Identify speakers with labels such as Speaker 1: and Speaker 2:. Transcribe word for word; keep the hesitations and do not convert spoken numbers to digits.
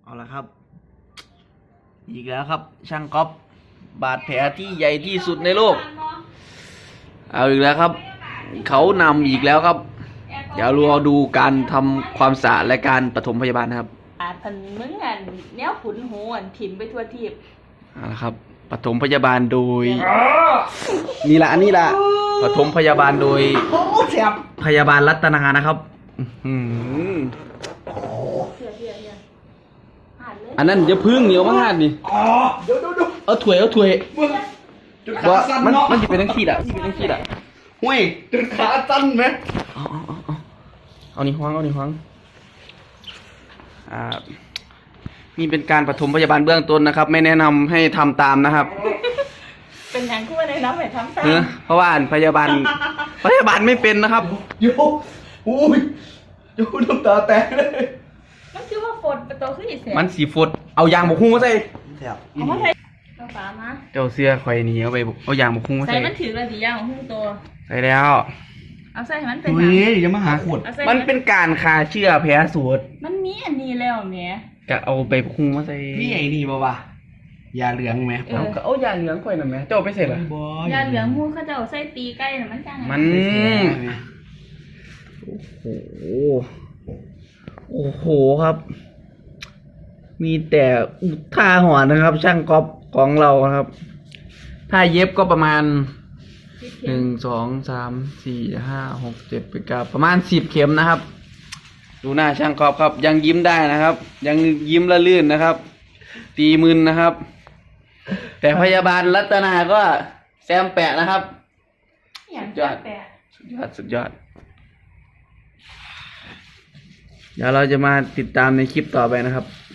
Speaker 1: เอาละครับอีกแล้วครับช่างก๊อฟบาดแผลที่ใหญ่ที่สุดในโลกเอาอีกแล้วครับเขานำอีกแล้วครับเดี๋ยวเราดูการทำความสะอาดและการปฐมพยาบาลนะครับ
Speaker 2: อาพันมึงอันแนวขุนหูอันถิ่มไปทั่วทีบ
Speaker 1: เอาละครับปฐมพยาบาลโดยนี่ละอันนี้ละปฐมพยาบาลโดยพยาบาลรัตนานะครับอันนั้นจะพึ่งเหนียวมากนี่
Speaker 3: เดี๋ยวดู
Speaker 1: เอาถ้วยเอาถ้วยว่ามันมันจะเป็นทั้งขี้อ่ะเป็นทั้งขี้อ่ะ
Speaker 3: ห้วยจุดขาสั้นไหม
Speaker 1: เอาเอาเอาเอาเอานี่ห้องเอานี่ห้องอ่านี่เป็นการปฐมพยาบาลเบื้องต้นนะครับไม่แนะนำให้ทำตามนะครับ
Speaker 2: เป็นอย่างคู่ในน้ำให้ทำตาม
Speaker 1: เพราะว่าพยาบาลพยาบาลไม่เป็นนะครับ
Speaker 3: โยอุ้ยโยน้ำตาแตกเลย
Speaker 2: มันคือว่าฝนประตูขึ้นอีกเสีย
Speaker 1: มันสีฝดเอายางบกหุ้งมาใส่
Speaker 2: เอามาใส่เอาฝามา
Speaker 1: เจ้าเสื้อคอยหนีเอาไปเอายางบกหุ้งมาใส่
Speaker 2: ใส่มันถือระดียางของหุ้งตัว
Speaker 1: ใส่แล้ว
Speaker 2: เอาใส่ให้มันเป็น
Speaker 3: เฮ้ยอย่ามาหาขวด
Speaker 1: มันเป็นการฆ่าเชื้อแผลสูตร
Speaker 2: มันมีอันนี้แล้วแม่
Speaker 1: ก็เอาไปบกหุ้งมาใส่
Speaker 3: นี่ไอ้นี่บ่วะยาเหลืองไหม
Speaker 1: เอาก็เอายาเหลืองคอยหน่อยไหมเจ้าไปเสร็จหร
Speaker 2: อยาเหลืองมูเขาจะเอาใส่ตีใกล้น่ะมันจัง
Speaker 1: มันโอ้โหโอ้โหครับมีแต่ท่าหัวนะครับช่างก๊อฟของเราครับถ้าเย็บก็ประมาณหนึ่งสองสามสี่ห้าหกเจ็ดแปดเก้าประมาณสิบเข็มนะครับดูหน้าช่างก๊อฟครับยังยิ้มได้นะครับยังยิ้มละลื่นนะครับตีมึนนะครับแต่พยาบาลรัตนาก็แซมแปะนะครับสุดยอดสุดยอดสุดยอดเดี๋ยวเราจะมาติดตามในคลิปต่อไปนะครับ